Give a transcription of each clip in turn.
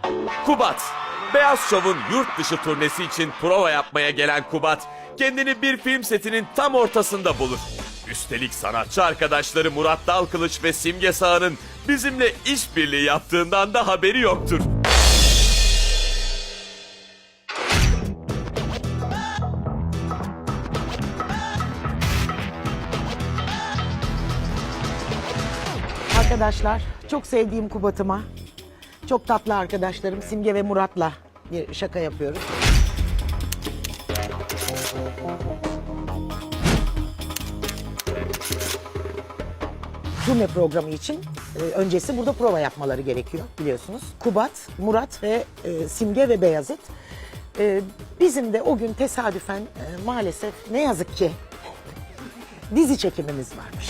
Kubat. Beyaz Şov'un yurt dışı turnesi için prova yapmaya gelen Kubat, kendini bir film setinin tam ortasında bulur. Üstelik sanatçı arkadaşları Murat Dalkılıç ve Simge Sağ'ın bizimle işbirliği yaptığından da haberi yoktur. Arkadaşlar, çok sevdiğim Kubat'ıma, çok tatlı arkadaşlarım Simge ve Murat'la bir şaka yapıyoruz. Turne programı için öncesi burada prova yapmaları gerekiyor biliyorsunuz. Kubat, Murat ve Simge ve Beyazıt. Bizim de o gün tesadüfen maalesef ne yazık ki dizi çekimimiz varmış.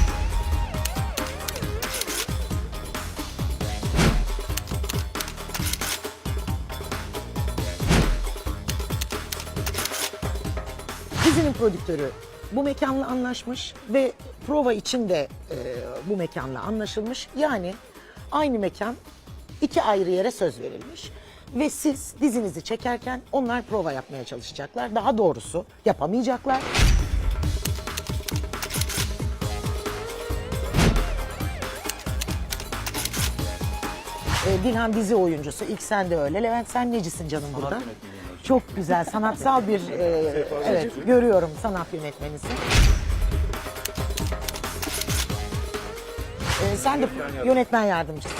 Dizinin prodüktörü bu mekanla anlaşmış ve prova için de bu mekanla anlaşılmış. Yani aynı mekan iki ayrı yere söz verilmiş. Ve siz dizinizi çekerken onlar prova yapmaya çalışacaklar. Daha doğrusu yapamayacaklar. Dilhan dizi oyuncusu. İlk sen de öyle. Levent sen necisin canım burada? Çok güzel, sanatsal bir, evet görüyorum sanat yönetmenisin. Sen de yönetmen yardımcısın.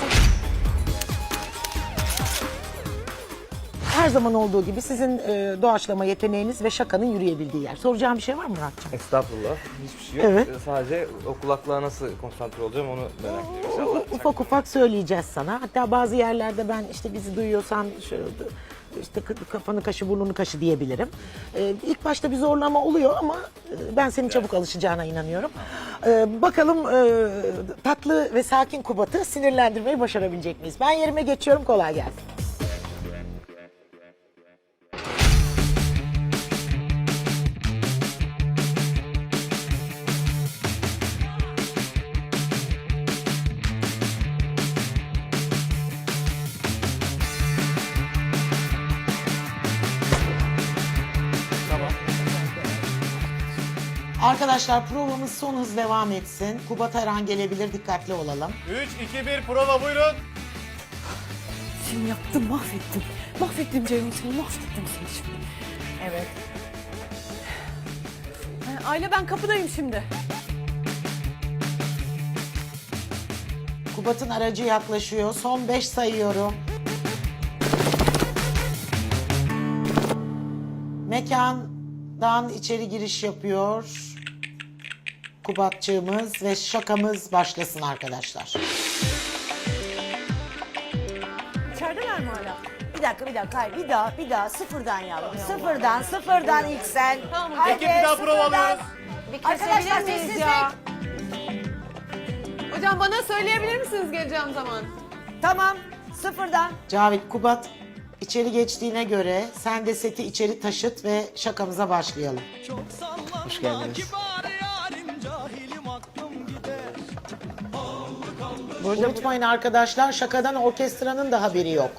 Her zaman olduğu gibi sizin doğaçlama yeteneğiniz ve şakanın yürüyebildiği yer. Soracağım bir şey var mı Muratcan? Estağfurullah. Hiçbir şey yok. Evet. Sadece o kulaklığa nasıl konsantre olacağım onu merak ediyorum inşallah. Ufak ufak söyleyeceğiz sana. Hatta bazı yerlerde ben işte bizi duyuyorsan şöyle, işte kafanı kaşı burnunu kaşı diyebilirim. İlk başta bir zorlama oluyor ama ben senin çabuk alışacağına inanıyorum. Bakalım tatlı ve sakin Kubat'ı sinirlendirmeyi başarabilecek miyiz? Ben yerime geçiyorum, kolay gelsin. Arkadaşlar provamız son hız devam etsin. Kubat her an gelebilir, dikkatli olalım. 3, 2, 1 prova buyurun. Seni yaptım, mahvettim. Mahvettim Ceyhun seni, mahvettim seni şimdi. Evet. Ayla ben kapıdayım şimdi. Kubat'ın aracı yaklaşıyor. Son 5 sayıyorum. Mekandan içeri giriş yapıyor Kubatçığımız ve şakamız başlasın arkadaşlar. İçerideler mi hala? Bir dakika, hayır. Bir daha sıfırdan yavrum. Sıfırdan ilk sen. Tamam, Haydi, Ekip bir daha sıfırdan. prova alıyoruz. Arkadaşlar miyiz sessizlik. ya? Hocam bana söyleyebilir misiniz geleceğim zaman? Tamam, sıfırdan. Cavit, Kubat içeri geçtiğine göre sen de seti içeri taşıt ve şakamıza başlayalım. Hoş geldiniz. Unutmayın arkadaşlar, şakadan orkestranın da haberi yok.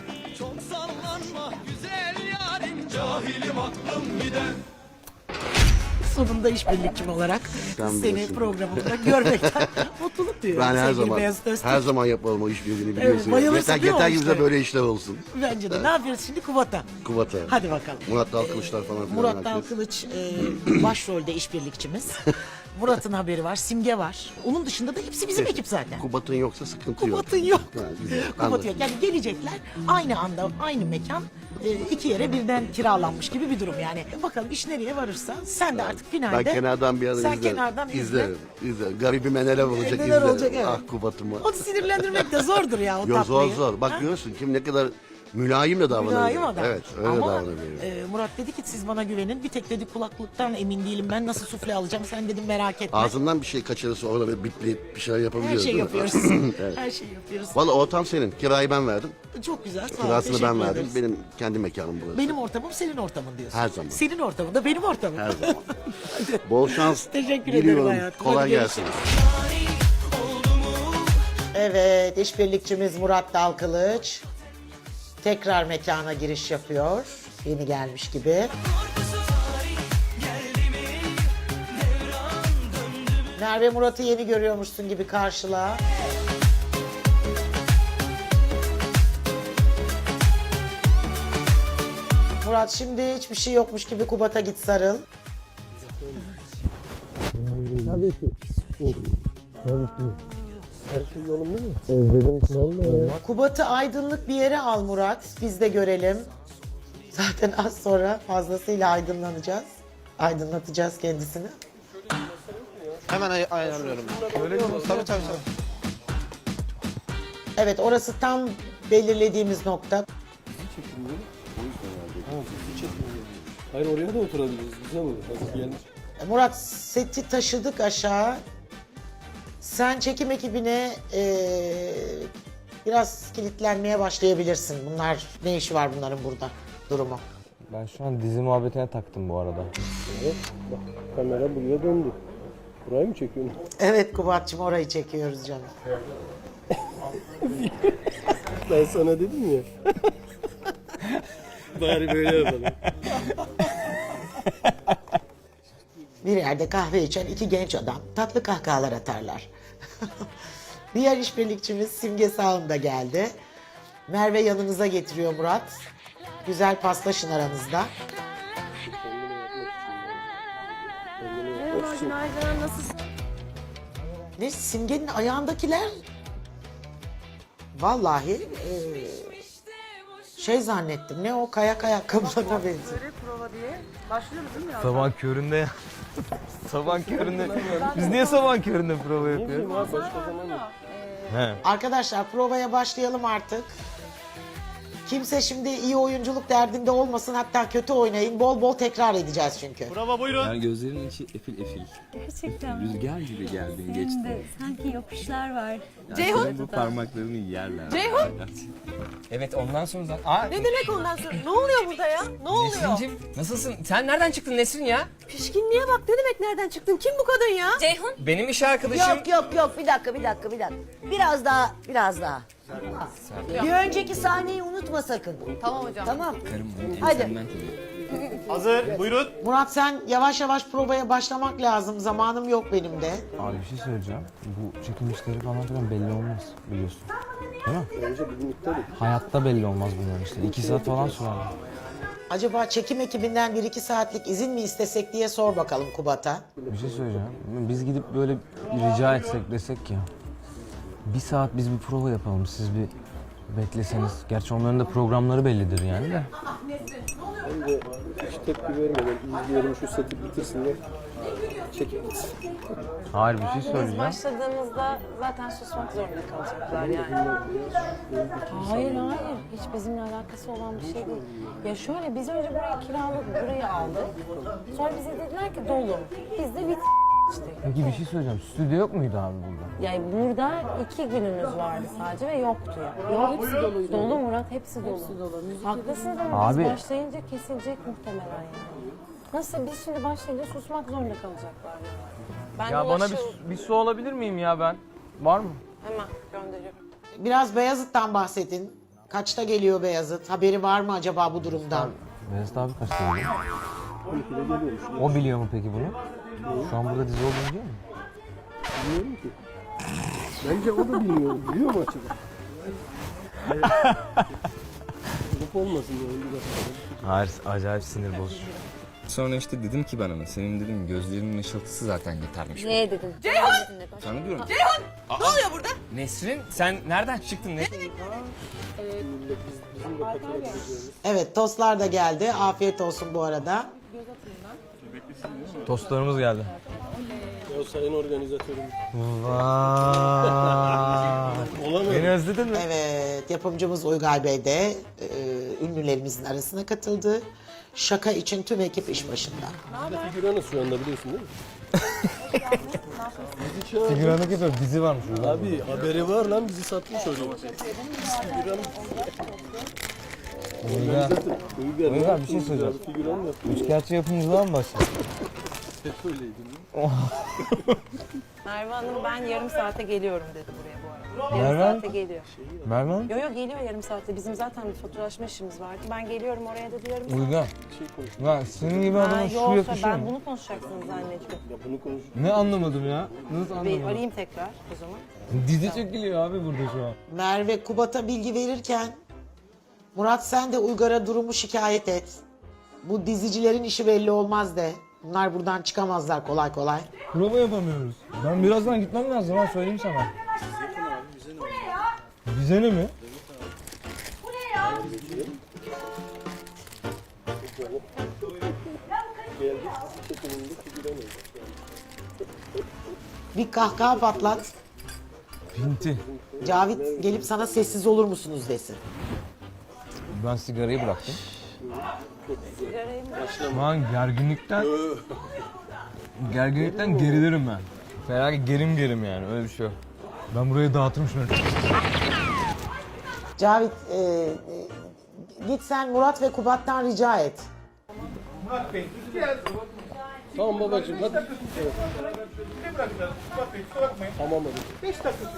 Sonunda işbirlikçim olarak Sen seni bilirsin. programımda görmekten mutluluk duyuyorum. Ben her sevgili zaman Beyazıt Öztürk. her zaman yapalım o işbirliğini biliyorsun. bayılırsın yeter değil mi o yeter ki bize işlere? böyle işler olsun. Bence de. Ne yapıyoruz şimdi? Kubat'a. Kubat'a. Hadi bakalım. Murat Dalkılıçlar falan filan. Murat herkes. Dalkılıç başrolde işbirlikçimiz. Murat'ın haberi var, Simge var. Onun dışında da hepsi bizim ekip zaten. Kubat'ın yoksa sıkıntı yok. Kubat'ın yok. Ha, güzel, Kubat anladım. yok. Yani gelecekler aynı anda, aynı mekan iki yere birden kiralanmış gibi bir durum yani. Bakalım iş nereye varırsa sen de artık finalde. Ben kenardan bir ara Sen izlerim. kenardan izle. İzlerim. Garibime neler olacak Neler izlerim. olacak, evet. Ah Kubat'ıma. Onu sinirlendirmek de zordur ya o Yo, tatlıyı. zor zor. Bak görüyorsun kim ne kadar mülayim de davranabiliyor. Mülayim adam. Evet öyle Ama davranabiliyor. Murat dedi ki siz bana güvenin. Bir tek dedi kulaklıktan emin değilim. Ben nasıl sufle alacağım? Sen dedim merak etme. Ağzından bir şey kaçırırsa orada bir bitleyip bir şeyler Her yapabiliyoruz şey değil mi? yapıyoruz. Evet. Her şey yapıyoruz. Valla ortam senin. Kirayı ben verdim. Çok güzel. Sağ ol. Kirasını teşekkür ben verdim. ederiz. Benim kendi mekanım burası. Benim ortamım senin ortamın diyorsun. Her zaman. Senin ortamın da benim ortamım. Her zaman. Bol şans Teşekkür ederim diliyorum. hayatım. Kolay Hadi gelsin. Evet, işbirlikçimiz Murat Dalkılıç. tekrar mekana giriş yapıyor. Yeni gelmiş gibi. Merve Murat'ı yeni görüyormuşsun gibi karşıla. Murat şimdi hiçbir şey yokmuş gibi Kubat'a git sarıl. Kubat'ı aydınlık bir yere al Murat. Biz de görelim. Zaten az sonra fazlasıyla aydınlanacağız. Aydınlatacağız kendisini. Hemen ayarlıyorum. Öyle mi? Tabii. Evet, orası tam belirlediğimiz nokta. Hayır, oraya da oturabiliriz. Güzel olur. Hazır gelmiş. Murat, seti taşıdık aşağı. Sen çekim ekibine biraz kilitlenmeye başlayabilirsin. Bunlar, ne işi var bunların burada durumu? Ben şu an dizi muhabbetine taktım bu arada. Evet, bak kamera buraya döndü. Burayı mı çekiyorsun? Evet Kubat'cığım, orayı çekiyoruz canım. Ben sana dedim ya. Bari böyle yapalım. Bir yerde kahve içen iki genç adam tatlı kahkahalar atarlar. Diğer işbirlikçimiz Simge Sağım da geldi. Merve yanınıza getiriyor Murat. Güzel paslaşın aranızda. Merhaba, günaydın. Nasılsın? Ne, Simge'nin ayağındakiler? Vallahi şey zannettim. Ne o, kayak ayakkabılarına benziyor. Böyle prova diye. Başlıyoruz değil mi ya? Sabah köründe ya. Sabah köründe. Biz niye sabah köründe prova yapıyoruz? Abi başka zaman mı? Arkadaşlar provaya başlayalım artık. Kimse şimdi iyi oyunculuk derdinde olmasın, hatta kötü oynayın. Bol bol tekrar edeceğiz çünkü. Prova buyurun. Yani gözlerinin içi efil efil. Gerçekten. Rüzgar gibi geldin Senin geçti. de sanki yokuşlar var. Ceyhun. Bu parmaklarını yerler. Ceyhun! Evet, ondan sonra zaten... Aa, Ne demek ondan sonra? Ne oluyor burada ya? Ne oluyor? Nesrin'cim nasılsın? Sen nereden çıktın Nesrin ya? Pişkinliğe bak, ne demek nereden çıktın? Kim bu kadın ya? Ceyhun. Benim iş arkadaşım. Yok bir dakika. Biraz daha. Bir önceki sahneyi unutma sakın. Tamam hocam. Tamam. Karım benim Hadi. ensemden tabii. Hazır. Buyurun. Murat, sen yavaş yavaş provaya başlamak lazım. Zamanım yok benim de. Abi bir şey söyleyeceğim. Bu çekim işleri falan filan belli olmaz biliyorsun. Değil mi? Önce bugün iptal et. Hayatta belli olmaz bunların işleri. 2 saat falan sürer. Acaba çekim ekibinden 1-2 saatlik izin mi istesek diye sor bakalım Kubat'a. Bir şey söyleyeceğim. Biz gidip böyle rica etsek desek ya. 1 saat biz bir prova yapalım. Siz bir bekleseniz. Gerçi onların da programları bellidir yani de. Ben de hiç tepki vermeden izleyelim, şu seti bitirsinler. Çekip gitsin. Hayır, bir şey söyleyeceğim. Başladığımızda zaten susmak zorunda kalacaklar yani. Hayır. Hiç bizimle alakası olan bir şey değil. Ya şöyle, biz önce burayı kiraladık, burayı aldık. Sonra bize dediler ki dolu. Biz de bit işte. Peki bir şey söyleyeceğim. Stüdyo yok muydu abi burada? Yani burada 2 günümüz vardı sadece ve yoktu ya. Yok, hepsi doluydu. Dolu Murat, hepsi dolu. Haklısınız ama Abi. biz başlayınca kesilecek muhtemelen yani. Nasıl, biz şimdi başlayınca susmak zorunda kalacaklar yani. Ben Ya bana ulaşır- bir su alabilir miyim ya ben? Var mı? Hemen gönderiyorum. Biraz Beyazıt'tan bahsedin. Kaçta geliyor Beyazıt? Haberi var mı acaba bu durumdan? Beyazıt abi kaçta geliyor? O biliyor mu peki bunu? Şu an burada dizi olduğunu biliyor mu? Bilmiyorum ki. Bence o da bilmiyor. Biliyor mu acaba? Olup olmasın yani bir dakika. Hayır, acayip sinir bozucu. Sonra işte dedim ki ben ona, senin dedim gözlerinin ışıltısı zaten yetermiş. Ne dedim? Sana diyorum. Ne oluyor burada? Nesrin, sen nereden çıktın Nesrin? Evet, tostlar da geldi. Afiyet olsun bu arada. Tostlarımız geldi. Ya sayın organizatörüm. Vay. Olamadı. Beni özledin mi? Evet, yapımcımız Uygay Bey de ünlülerimizin arasına katıldı. Şaka için tüm ekip iş başında. Figüranız şu anda, biliyorsun değil mi? Bizi çağırdı. Figüranlık yapıyor, dizi varmış burada. Abi haberi var lan, bizi satmış oraya. Figüran. Uygar, bir şey söyleyeceğim. Figüran yaptı. Üçkağıtçı yapımcılığa mı başladın? Hep öyleydi. Merve Hanım, ben yarım saate geliyorum dedi buraya bu arada. Yarım Merve? saate geliyor. Merve Hanım? Yo geliyor yarım saatte. Bizim zaten bir faturalaşma işimiz vardı. Ben geliyorum oraya dedi yarım saat. Uygar. Lan senin gibi adama şu Yoksa yakışıyor ben mu? bunu konuşacaksınız zannediyorum. Ya bunu konuş. Ne anlamadım ya? Nasıl Bir anlamadım? arayayım tekrar o zaman. Dizi çekiliyor abi burada şu an. Merve Kubat'a bilgi verirken Murat sen de Uygar'a durumu şikayet et. Bu dizicilerin işi belli olmaz de. Bunlar buradan çıkamazlar kolay kolay. Prova yapamıyoruz. Ben birazdan gitmem lazım ha söyleyeyim sana. Bize ne mi? Geldik çekiminde figüremeyiz. Bir kahkaha patlat. Pinti. Cavit gelip sana sessiz olur musunuz desin. Ben sigarayı bıraktım. Sigarayı mı? Şu an gerginlikten gerilirim ben. Felaket gerim yani öyle bir şey yok. Ben burayı dağıtırım şunu. Cavit git sen Murat ve Kubat'tan rica et. Tamam babacığım hadi. Tamam hadi.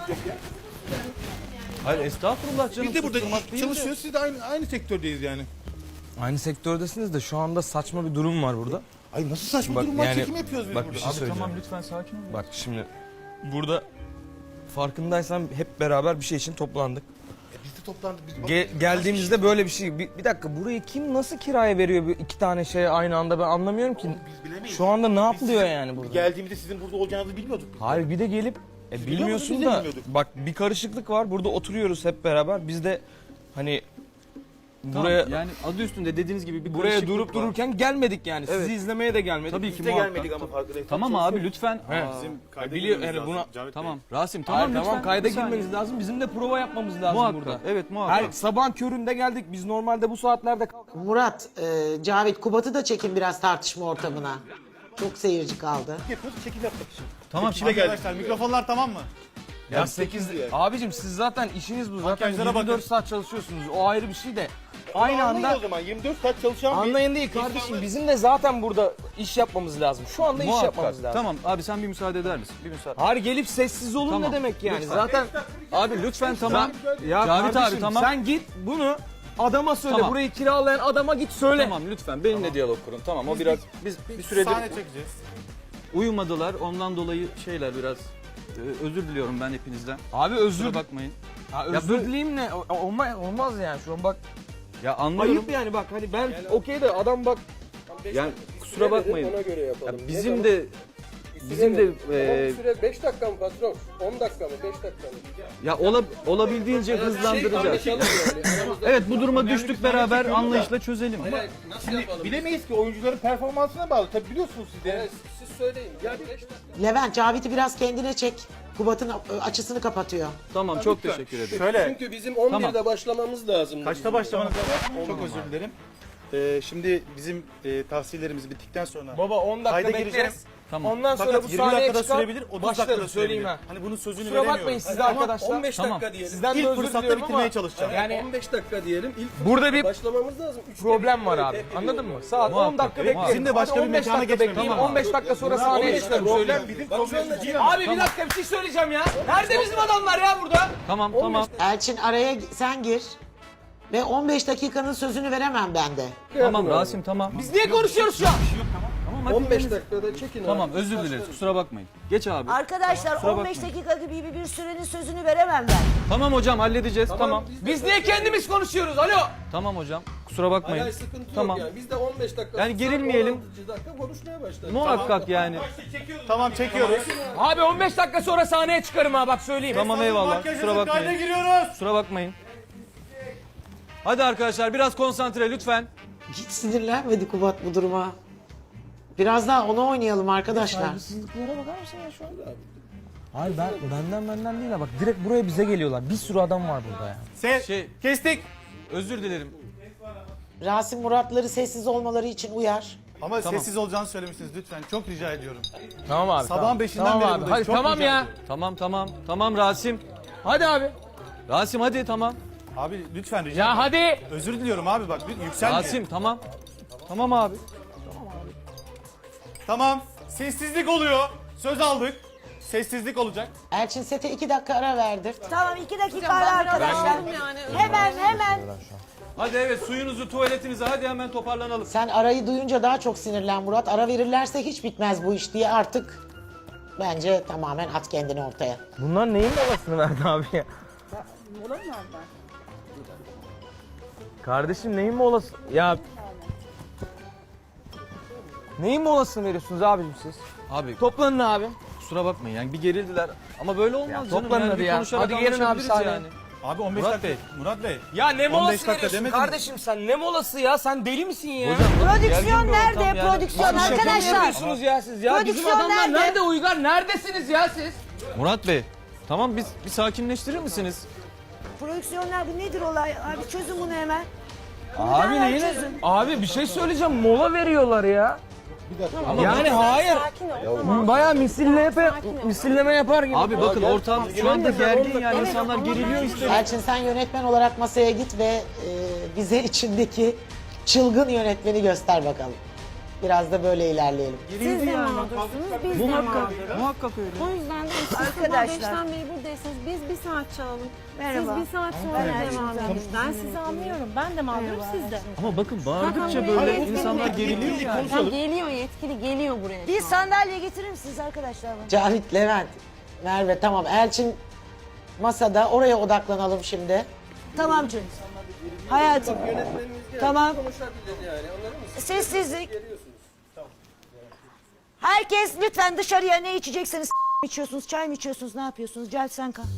Hayır estağfurullah canım. Biz de burada susturmak değil de. çalışıyoruz. Siz de aynı sektördeyiz yani. Aynı sektördesiniz de şu anda saçma bir durum var burada. Ay nasıl saçma Bak durum var? yani- Çekim yapıyoruz biz bak burada. bir şey söyleyeceğim. Tamam lütfen sakin ol. Bak şimdi burada farkındaysan hep beraber bir şey için toplandık. Biz de toplandık. Biz Geldiğimizde böyle bir şey. Bir dakika burayı kim nasıl kiraya veriyor bu iki tane şeye aynı anda ben anlamıyorum ki. biz bilemeyiz. Şu anda ne yapılıyor yani burada? Geldiğimizde sizin burada olacağınızı bilmiyorduk. Hayır bir de gelip bilmiyorsun biz de da bilmiyorduk. bak bir karışıklık var. Burada oturuyoruz hep beraber. Biz de hani buraya Yani adı üstünde dediğiniz gibi bir buraya karışıklık durup var. dururken gelmedik yani. Evet. Sizi izlemeye de gelmedik. Tabii ki Biz de muhakkak. gelmedik ama farkındayız. Tamam abi lütfen. He. Aa, Bizim kayda Biliyor girmemiz yani lazım. buna Cavit Bey. tamam. Rasim Tamam, tamam lütfen. kayda Bir saniye. girmeniz lazım. Bizim de prova yapmamız lazım Muhakkak. burada. Evet muhakkak. Her sabah köründe geldik. Biz normalde bu saatlerde kalkalım. Murat, Cavit Kubat'ı da çekin biraz tartışma ortamına. Çok seyirci kaldı. Yapıyoruz, çekim yapmak için. Tamam Çekime geldik. Arkadaşlar mikrofonlar tamam mı? Ya 8 abicim siz zaten işiniz bu zaten Makyajlara 24 bakın. saat çalışıyorsunuz. O ayrı bir şey de. Aynı Anlayın anda o zaman 24 saat çalışan bir anlayın değil kardeşim. Bizim de zaten burada iş yapmamız lazım. Şu anda iş yapmamız lazım. Tamam abi sen bir müsaade eder misin? Bir müsaade. Hayır gelip sessiz olun Tamam. ne demek yani? Lütfen. Zaten Abi lütfen tamam. ya Cavit kardeşim, abi tamam. sen git bunu adama söyle. Tamam. Burayı kiralayan adama git söyle. Tamam lütfen benimle diyalog kurun. Tamam o biraz biz bir süredir sahne çekeceğiz. uyumadılar. Ondan dolayı şeyler biraz özür diliyorum ben hepinizden. Abi özür Kusura bakmayın. Ya özür dileyim ne? Olmaz yani şu an bak. Ya anlıyorum. Ayıp yani bak hani ben okey de adam bak. Yani kusura bakmayın. Ona göre yapalım. Ya bizim de süre 5 dakika mı patron? 10 dakika mı? 5 dakika mı? ya olabildiğince hızlandıracağız. Evet bu duruma düştük beraber anlayışla çözelim. Nasıl yapalım? Bilemeyiz ki oyuncuların performansına bağlı. Tabii biliyorsunuz siz de. Siz söyleyin. Ya 5 dakika. Levent, Cavit'i biraz kendine çek. Kubat'ın açısını kapatıyor. Tamam çok teşekkür ederim. Şöyle. Çünkü bizim 11'de Tamam. başlamamız lazım. Kaçta başlamanız lazım? Çok özür dilerim. Şimdi bizim tavsiyelerimiz bittikten sonra Baba 10 dakika kayda bekleriz. gireceğiz. Tamam. Ondan sonra Fakat bu 20 sahneye dakikada çıkar. sürebilir, 30 dakikada Başlarız söyleyeyim sürebilir. ha. Hani bunun sözünü Kusura bakmayın veremiyoruz. siz de arkadaşlar. 15 Tamam. dakika diyelim. Sizden de İlk özür fırsatta diliyorum bitirmeye ama çalışacağım. yani 15 dakika diyelim. İlk burada bir başlamamız lazım. problem var abi. Anladın mı? Saat 10 dakika bekleriz. Bizim de başka Hadi bir 15 mekana dakika geçmemiz bekleyin. lazım. 15 dakika sonra sahneye çıkarım söyleyeyim. Bizim problemimiz değil. Abi bir dakika bir şey söyleyeceğim ya. Nerede bizim adamlar ya burada? Tamam tamam. Elçin araya sen gir. Ve 15 dakikanın sözünü veremem ben de. Tamam Rasim tamam. Biz niye konuşuyoruz şu an? Tamam hadi 15 dakikada çekin Tamam abi. özür dileriz kusura bakmayın. Geç abi. Arkadaşlar Kusura 15 bakmayın. dakika gibi bir sürenin sözünü veremem ben. Tamam hocam halledeceğiz tamam. Biz niye kendimiz konuşuyoruz? Alo. Tamam hocam kusura bakmayın. Hayır sıkıntı Tamam. yok yani. Biz de 15 dakika. Yani gerilmeyelim. 16 dakika konuşmaya başlarız. Muhakkak yani. Tamam çekiyoruz. Abi 15 dakika sonra sahneye çıkarım ha bak söyleyeyim. Tamam eyvallah kusura Kayda bakmayın. giriyoruz. Kusura bakmayın. Hadi arkadaşlar biraz konsantre lütfen. Hiç sinirlenmedi Kubat bu duruma. Biraz daha onu oynayalım arkadaşlar. Saygısızlıklara bakar mısın ya şu an? Hayır benden değil ha bak direkt buraya bize geliyorlar. Bir sürü adam var burada ya. Kestik. Özür dilerim. Rasim Muratları sessiz olmaları için uyar. Ama sessiz olacağını söylemiştiniz lütfen. Çok rica ediyorum. Tamam abi. Sabahın tamam. 5'inden tamam beri abi. buradayız. Hadi Çok tamam rica ya. ediyorum. Tamam Rasim. Hadi abi. Rasim hadi tamam. Abi lütfen rica Ya ediyorum. hadi. Özür diliyorum abi bak yükselme. Rasim tamam. Tamam abi. Tamam. Sessizlik oluyor. Söz aldık. Sessizlik olacak. Elçin sete 2 dakika ara verdir. Tamam 2 dakika ara arkadaşlar. Hemen. Hadi evet, suyunuzu, tuvaletinizi, hadi hemen toparlanalım. Sen arayı duyunca daha çok sinirlen Murat. Ara verirlerse hiç bitmez bu iş diye artık bence tamamen at kendini ortaya. Bunlar neyin molasını verdi abi ya? Kardeşim neyin molası? Ya... Neyin molasını veriyorsunuz abicim siz? Abi Toplanın abi. kusura bakmayın yani bir gerildiler. Ama böyle olmaz canım. toplanın Yani hadi bir ya. konuşarak Hadi gelin abi anlaşabiliriz sahneye. yani. Abi 15 Murat dakika. Bey. Murat Bey. Ya ne 15 molası dakika veriyorsun demedin mi? kardeşim sen? Ne molası ya? Sen deli misin ya? Prodüksiyon gergin bir nerede? ortam yani. Prodüksiyon Şaka mı arkadaşlar. yapıyorsunuz ya siz ya? Bizim Prodüksiyon adamlar nerede? nerede Uygar? Neredesiniz ya siz? Murat Bey, tamam biz bir sakinleştirir misiniz? Prodüksiyon nerede? Nedir olay? Abi çözün bunu hemen. Abi Hemen neyin? çözün. Abi bir şey söyleyeceğim. Mola veriyorlar ya. Ama Yani hayır. Sakin ol. Bayağı misilleme yapar gibi. Abi bakın ortam şu anda gergin yani insanlar geriliyor istemiyor. Elçin sen yönetmen olarak masaya git ve bize içindeki çılgın yönetmeni göster bakalım. Biraz da böyle ilerleyelim. Siz de mağdursunuz, biz de mağduruz. Muhakkak öyle. O yüzden de siz Arkadaşlar. sabah 5'ten beri buradaysanız biz bir saat çalalım. Merhaba. Siz bir saat sonra devam edin. Ben sizi anlıyorum. Ben de mağdurum, siz de. Ama bakın bağırdıkça Zaten böyle yetkili insanlar geriliyor yani. Ya geliyor yetkili, geliyor buraya. Bir sandalye getirir misiniz arkadaşlar bana? Cavit, Levent, Merve tamam. Elçin masada. Oraya odaklanalım şimdi. Tamam canım. Hayatım. Tamam. Sessizlik. Herkes lütfen dışarıya ne içecekseniz içiyorsunuz, çay mı içiyorsunuz, ne yapıyorsunuz? Gel sen kal.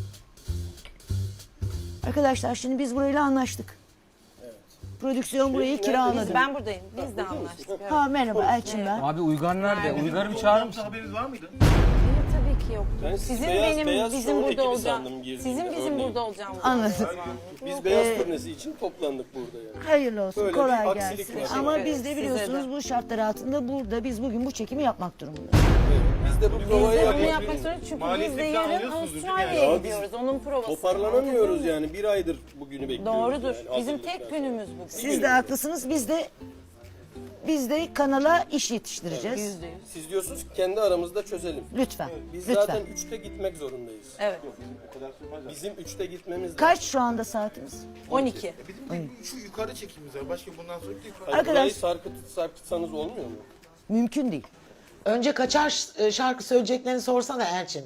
Arkadaşlar şimdi biz burayla anlaştık. Prodüksiyon burayı kiraladı. Ben buradayım, biz de anlaştık. Ha merhaba Elçin ben. Abi Uygar nerede? Uygar'ı bir çağırır mısın? Haberiniz var mıydı? Benim tabii ki yoktu. Sizin bizim burada ekibi olacağım. sandım girdiğimde, Sizin bizim örneğin. burada olacağımız. Anladım. Biz beyaz turnesi için toplandık burada yani. Hayırlı olsun, Böyle bir kolay aksilik gelsin. var. Ama Evet, biz de size biliyorsunuz de. bu şartlar altında burada biz bugün bu çekimi yapmak durumundayız. Biz de bu Biz provayı de bunu yapmak yapmak zorundayız çünkü biz de Maliyetini yarın alıyorsunuzdur değil mi Avustralya'ya yani? gidiyoruz. Onun provası. toparlanamıyoruz yani. Bir aydır bugünü bekliyoruz. Doğrudur. yani, Bizim hazırlıklar. tek günümüz bugün. Siz de haklısınız. Biz de kanala iş yetiştireceğiz. Siz diyorsunuz ki kendi aramızda çözelim. Lütfen. Biz Lütfen. zaten 3'te gitmek zorundayız. Evet. Bizim 3'te gitmemiz lazım. Kaç şu anda saatimiz? 12. Şu yukarı çekimimiz var. Başka bundan sonra bir yukarı. Hani Arkadaş- burayı sarkıtsanız olmuyor mu? Mümkün değil. Önce kaçar şarkı söyleyeceklerini sorsana Elçin.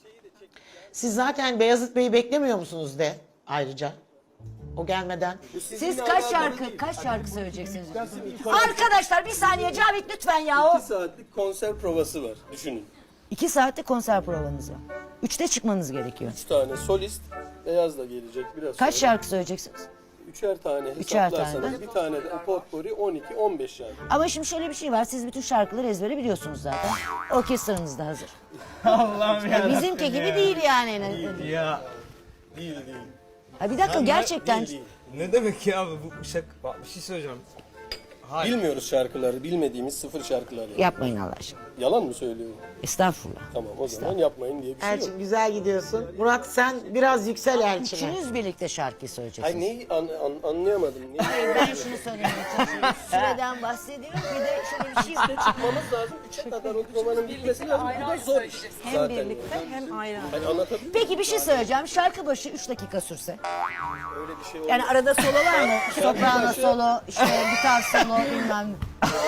Siz zaten Beyazıt Bey'i beklemiyor musunuz de ayrıca? O gelmeden. Siz kaç şarkı söyleyeceksiniz? Arkadaşlar bir saniye Cavit lütfen ya. 2 saatlik konser provası var. Düşünün. 2 saatlik konser provanız var. 3'te çıkmanız gerekiyor. 3 tane solist. Beyaz da gelecek biraz Kaç sonra. şarkı söyleyeceksiniz? 3'er tane Üçer tane hesaplarsanız de. bir tane de potpourri 12-15 şarkı. Ama şimdi şöyle bir şey var. Siz bütün şarkıları ezbere biliyorsunuz zaten. Orkestranız da hazır. Allah'ım ya. Bizimki gibi değil yani. Ya Değil. Ha bir dakika gerçekten. Değil. ne demek ya bu şaka? Bak bir şey söyleyeceğim. Bilmiyoruz şarkıları. Bilmediğimiz sıfır şarkılar. Yani. Yapmayın Allah aşkına. Yalan mı söylüyorum? Estağfurullah. Tamam o zaman yapmayın diye bir şey yok. Elçin güzel gidiyorsun. Murat sen biraz yüksel Elçin'e. Üçünüz birlikte şarkı söyleyeceksiniz. Hayır neyi anlayamadım. Neyi? Ben şunu söylemeye çalışıyorum. Süreden bahsediyorum. Bir de şöyle bir şey var. Çıkmamız lazım. 3'e kadar o provanın bitmesi lazım. Bu da zor iş. Hem Zaten. birlikte hem ayrı. Hani anlatabiliyor muyum? Peki bir şey söyleyeceğim. Şarkı başı 3 dakika sürse. Öyle bir şey olmaz. Yani arada solo var mı? Soprano solo, işte gitar solo bilmem ne.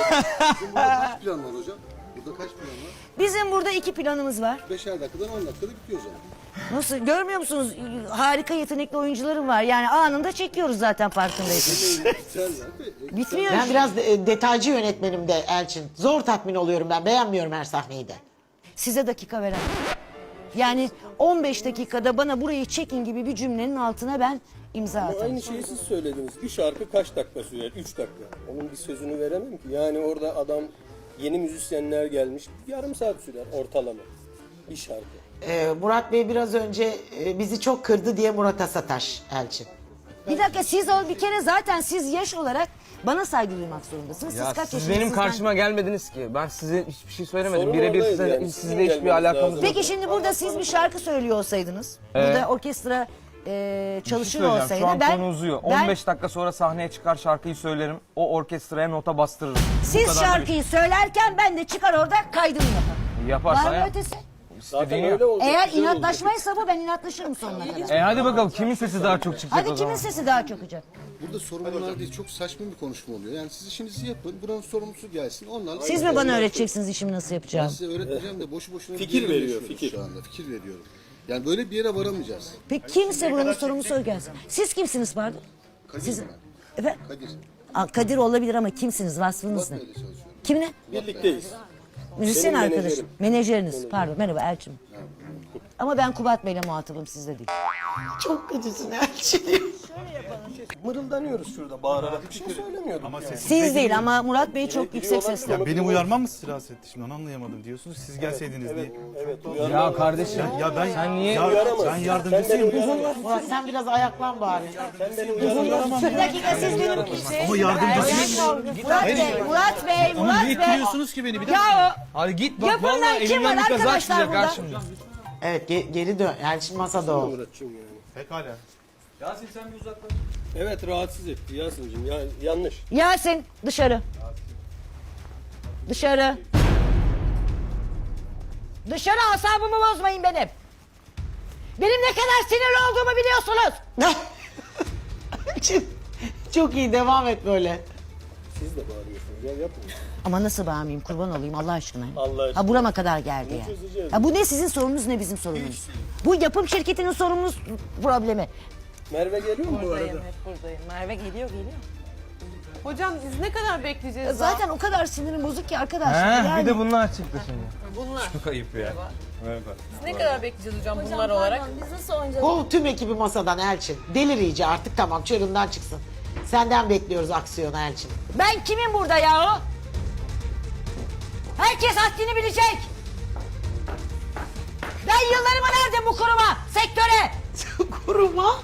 Kaç plan var hocam? Burada kaç plan var? Bizim burada 2 planımız var. 5'er dakikadan 10 dakikada bitiyor o zaman. Nasıl? Görmüyor musunuz? Harika yetenekli oyuncularım var. Yani anında çekiyoruz zaten farkındaysanız. Biterler de. Bitmiyor. Ben biraz detaycı yönetmenim de Elçin. Zor tatmin oluyorum ben. Beğenmiyorum her sahneyi de. Size dakika veremem. Yani 15 dakikada bana burayı çekin gibi bir cümlenin altına ben imza Ama atarım. aynı şeyi siz söylediniz. Bir şarkı kaç dakika sürer? 3 dakika. Onun bir sözünü veremem ki. Yani orada adam yeni müzisyenler gelmiş. Yarım saat sürer ortalama. Bir şarkı. Murat Bey biraz önce bizi çok kırdı diye Murat'a sataş Elçin. Bir dakika siz bir kere zaten siz yaş olarak bana saygı duymak zorundasınız. Ya Siz kaç siz yaşındasınız? benim Ben- karşıma gelmediniz ki. Ben size hiçbir şey söylemedim. Sorun Birebir oradaydı size, yani. sizle Sizin hiçbir gelmeniz alakamız lazım. yok. Peki şimdi burada siz bir şarkı söylüyor olsaydınız. Burada orkestra Bir şey çalışıyor söyleyeceğim. olsaydı. Şu an ben, konu uzuyor. ben- 15 dakika sonra sahneye çıkar şarkıyı söylerim. O orkestraya nota bastırırım. Bu Siz kadar da bir şarkıyı söylerken ben de çıkar orada kaydını yaparım. şey. Yaparsa Var mı yap. ötesi? Zaten öyle olacak. Eğer güzel olacak. inatlaşmaysa bu, ben inatlaşırım sonuna kadar. Hadi bakalım kimin sesi daha çok çıkacak Hadi o kimin zaman. sesi daha çok olacak? Burada sorumlular değil, çok saçma bir konuşma oluyor. Yani siz işinizi yapın, buranın sorumlusu gelsin. Onlarla Siz mi bana öğreteceksiniz işimi nasıl Ben yapacağım? size öğretmeyeceğim de boşu boşuna bir Fikir yere veriyor, yaşıyoruz fikir. şu anda. Fikir veriyorum. Yani böyle bir yere varamayacağız. Peki kimse buranın sorumlusu o gelsin. Siz kimsiniz pardon? Kadir Siz... ben. Efendim? Kadir. Kadir olabilir ama kimsiniz? Vasfınız ne? Kubat Bey'le çalışıyorum. Kimle? Birlikteyiz. Müzisyen Benim arkadaşım. menajerim. Menajeriniz. Pardon, merhaba Elçin. Ama ben Kubat Bey'le muhatabım, sizle değil. Çok kötüsün Elçin. Mırıldanıyoruz şurada bağırarak. Bir şey söylemiyorduk. Ama sesinize Siz değil giriyor. ama Murat Bey çok yüksek sesle. Ya benim uyarmam mı sizi rahatsız etti şimdi onu anlayamadım diyorsunuz. Siz gelseydiniz diye. Evet. Ya kardeşim Ya ben sen niye... ben yardımcısıyım. Murat sen biraz ayaklan bari. Bir dakika siz benim kimsiniz? Ama yardımcısıyım. Murat Bey. Niye ittiriyorsunuz ki beni? Bir dakika. Ya Hadi git bak Yapın lan, vallahi kim var elimden bir kaza arkadaşlar çıkacak burada? ha şimdi. Evet geri dön. Elçin masada ol. Muratçım yani. Pekala. Yasin sen bir uzaklaş. Evet rahatsız etti Yasin'cim. Ya, yanlış. Yasin dışarı. Dışarı. Dışarı, asabımı bozmayın benim. Benim ne kadar sinirli olduğumu biliyorsunuz. Elçin çok iyi devam et böyle. Siz de bağırıyorsunuz. Ya yapmayın. Ama nasıl bağırmayayım, kurban olayım Allah aşkına. Allah aşkına. Ha burama kadar geldi ya. çözeceğiz. Ha bu ne sizin sorununuz ne bizim sorunumuz. Bu yapım şirketinin sorunumuz problemi. Merve geliyor mu bu arada? Buradayım, hep buradayım. Merve geliyor. Hocam biz ne kadar bekleyeceğiz Zaten o kadar sinirim bozuk ki arkadaşlar. He, Yani bir de bunlar çıktı şimdi. Çok ayıp ya. Biz ne kadar bekleyeceğiz hocam bunlar olarak? Biz nasıl oynayacağız? Kov tüm ekibi masadan Elçin. Delir iyice artık tamam çığırından çıksın. Senden bekliyoruz aksiyonu Elçin. ben kimim burada ya? Herkes haddini bilecek. Ben yıllarımı verdim bu kuruma, sektöre. Kuruma.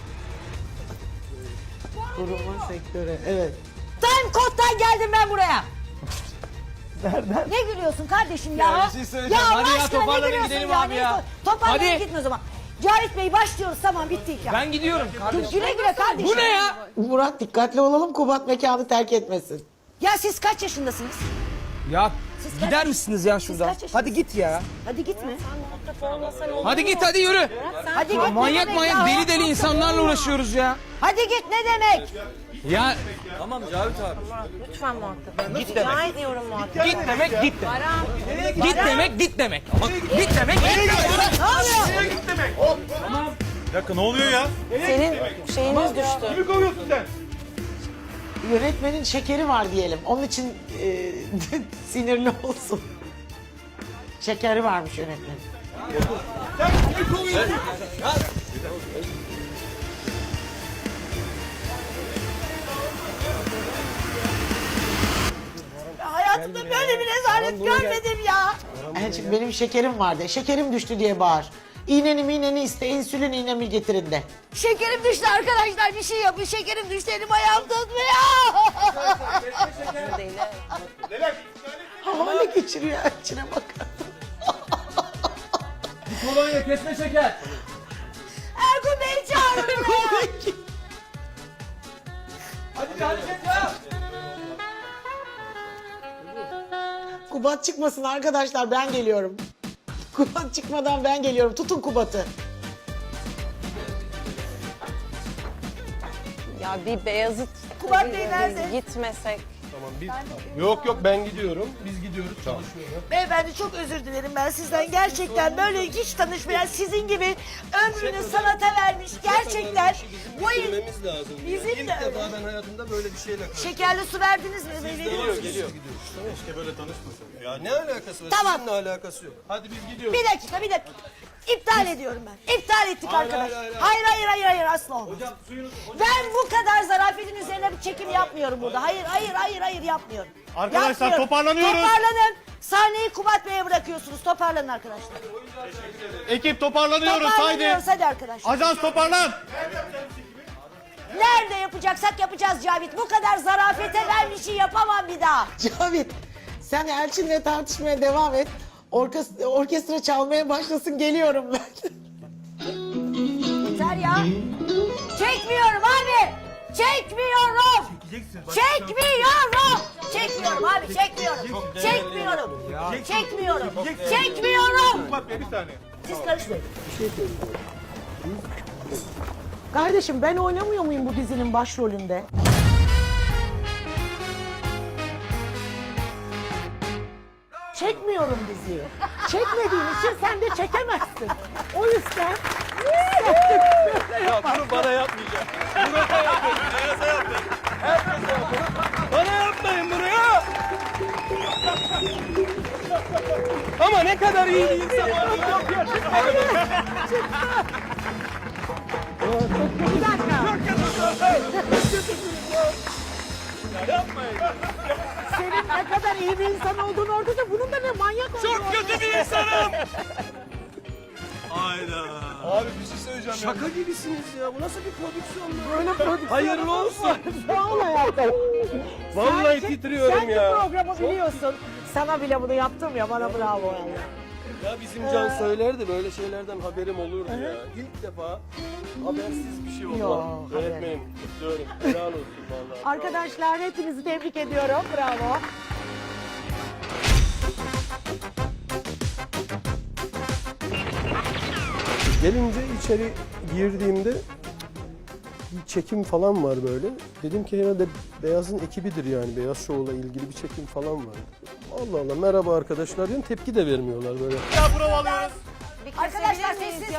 Kuruma sektörü evet. Time Code'dan geldim ben buraya. Nereden? Ne gülüyorsun kardeşim ya? Ya bir şey söyleyeceğim. Allah Hadi ya, aşkına ne toparlanın gülüyorsun gidelim ya? abi ya. Toparlanın Hadi. gidin o zaman. Cavit Bey başlıyoruz, tamam bitti hikaye. Ben gidiyorum kardeşim. Güle güle kardeşim. Bu ne ya? Murat dikkatli olalım Kubat mekanı terk etmesin. Ya siz kaç yaşındasınız? Ya Siz gider kaç- misiniz ya Siz şuradan? kaç yaşındasınız? Hadi git ya. Hadi gitme. Hadi git hadi yürü. Hadi git. ne Manyak demek manyak ya? deli deli insanlarla uğraşıyoruz ya. Hadi git ne demek? Ya Tamam Cavit abi. Lütfen muhatap. Git demek. Rica ediyorum muhatap. git demek git demek. Git demek git demek. Ama git demek git demek. Ne oluyor? Bir dakika ne oluyor ya? Senin şeyiniz düştü. Kimi kovuyorsun sen? Yönetmenin şekeri var diyelim. Onun için sinirli olsun. Şekeri varmış yönetmenin. Hayatımda böyle bir rezalet görmedim ya. Elçin benim şekerim vardı. Şekerim düştü diye bağır. İğneni iste, insülin iğnemi getirin de. Şekerim düştü arkadaşlar, bir şey yapın. Şekerim düştü, elim ayağım tutmuyor. Havale geçiriyor Elçin'e bakın. Kolonya kesme şeker. Ergun Bey'i çağırın buraya. Hadi hareket ya. Kubat çıkmasın arkadaşlar ben geliyorum. Kubat çıkmadan ben geliyorum. Tutun Kubat'ı. Ya bir Beyazıt Kubat Bey nerede? gitmesek. Yok ben gidiyorum. Biz gidiyoruz çalışıyoruz. Beyefendi çok özür dilerim ben sizden. Gerçekten böyle hiç tanışmayan sizin gibi ömrünü sanata vermiş. Gerçekten bu Bitirmemiz lazım. Bizim İlk de öyle. defa ben hayatımda böyle bir şeyle karşılaştım. şekerli su verdiniz mi? Geliyor. Keşke böyle tanışmasak. Ya ne alakası var? Tamam. Sizinle alakası yok. Hadi biz gidiyoruz. Bir dakika. İptal ediyorum ben. İptal ettik arkadaş. hayır. Hayır asla olmaz. Ben bu kadar zarafetin üzerine bir çekim yapmıyorum burada. Hayır yapmıyorum. Arkadaşlar, Yapmıyorum. toparlanıyoruz. Toparlanın. Sahneyi Kubat Bey'e bırakıyorsunuz. Toparlanın arkadaşlar. Ekip toparlanıyoruz Toparlanıyoruz hadi arkadaşlar. Ajans toparlan. Nerede yapacaksak yapacağız Cavit. Bu kadar zarafete ben bir şey yapamam bir daha. Cavit sen Elçin'le tartışmaya devam et. Orkestra çalmaya başlasın geliyorum ben. Yeter ya. Çekmiyorum abi. Çekmiyorum. Çekmiyorum. Çekmiyorum abi, çekmiyorum. Çekmiyorum. Çekmiyorum. Çekmiyorum. Kubat Bey bir saniye. Siz karışmayın. Kardeşim ben oynamıyor muyum bu dizinin başrolünde? Çekmiyorum diziyi. Çekmediğin için sen de çekemezsin. O yüzden Ya bunu bana yapmayacak. Murat'a yapın. Beyaz'a yapın. Herkese yapın. Bana yapmayın bunu ya. Ama ne kadar iyi bir insan olduğunu yok gerçekten. bir dakika. Senin ne kadar iyi bir insan olduğunu orada da bunun da ne manyak olduğunu. Çok kötü bir insanım. Hayda. Abi bir şey söyleyeceğim. Şaka gibisiniz ya. Bu nasıl bir prodüksiyon? Böyle prodüksiyon. Hayırlı olsun. Sağ ol hayatım. Vallahi Sen- titriyorum sen ya. bu programı biliyorsun. Sana bile bunu yaptım ya, bana bravo vallahi. Ya bizim Can söylerdi böyle şeylerden haberim olurdu ya. İlk defa habersiz bir şey oldu. Yok, haber. Öğretmenim kutluyorum. Helal olsun vallahi. Arkadaşlar hepinizi tebrik ediyorum. Bravo. Gelince içeri girdiğimde bir çekim falan var böyle. Dedim ki herhalde Beyaz'ın ekibidir yani. Beyaz Show'la ilgili bir çekim falan var. Allah Allah merhaba arkadaşlar diyorum. Tepki de vermiyorlar böyle. Arkadaşlar sessizlik.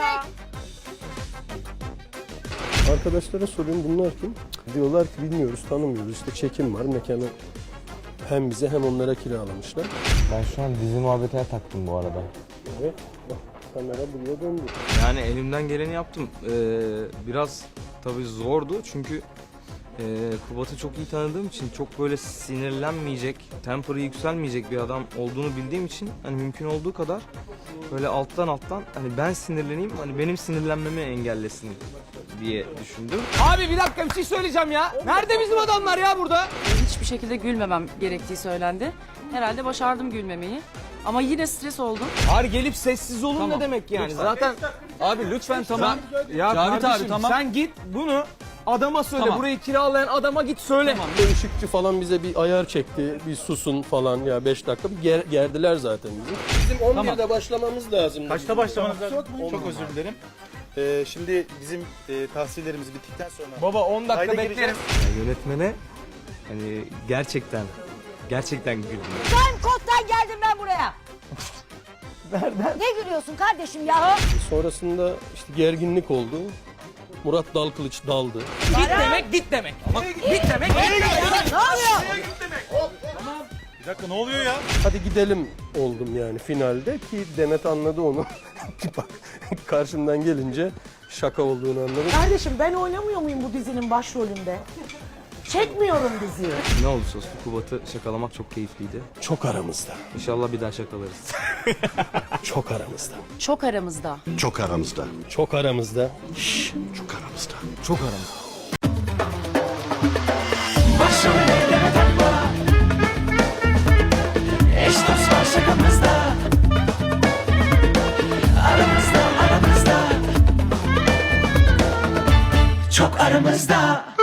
Arkadaşlara soruyorum bunlar kim? Diyorlar ki bilmiyoruz, tanımıyoruz. İşte çekim var, mekanı hem bize hem onlara kiralamışlar. Ben şu an dizi muhabbetine taktım bu arada. Evet, bak kamera buraya döndü. Yani elimden geleni yaptım. Biraz tabii zordu çünkü Kubat'ı çok iyi tanıdığım için çok böyle sinirlenmeyecek, temper'ı yükselmeyecek bir adam olduğunu bildiğim için hani mümkün olduğu kadar böyle alttan hani ben sinirleneyim, hani benim sinirlenmemi engellesin diye düşündüm. Abi bir dakika bir şey söyleyeceğim ya. Nerede bizim adamlar ya burada? Hiçbir şekilde gülmemem gerektiği söylendi. Herhalde başardım gülmemeyi. Ama yine stres oldum. Abi gelip sessiz olun ne demek yani? Zaten abi lütfen tamam. Ya Cavit abi tamam. Sen git bunu adama söyle. Tamam. Burayı kiralayan adama git söyle. Tamam. Bir ışıkçı falan bize bir ayar çekti, bir susun falan ya 5 dakika bir gerdiler zaten bizi. Bizim 11'de başlamamız lazım. Kaçta başlamanız lazım? Çok özür dilerim. Şimdi bizim tahsillerimiz bittikten sonra... Baba 10 dakika Kayda beklerim. gireceğiz. Yönetmene hani gerçekten güldüm. Ben kottan geldim ben buraya. Nereden? Ne gülüyorsun kardeşim ya? Sonrasında işte gerginlik oldu. Murat Dalkılıç daldı. Git demek. Ama git demek. Ne oluyor? Bir dakika ne oluyor ya? Hadi gidelim oldum yani finalde ki Demet anladı onu. Bak karşımdan gelince şaka olduğunu anladım. Kardeşim ben oynamıyor muyum bu dizinin başrolünde? Çekmiyorum diziyi. Ne olursa olsun Kubat'ı şakalamak çok keyifliydi. Çok aramızda. İnşallah bir daha şakalarız. Çok aramızda. Çok aramızda. Çok aramızda. Çok aramızda. Çok aramızda. Çok aramızda. Başrollere takma. Eş dost var şakamızda. Aramızda. Çok aramızda.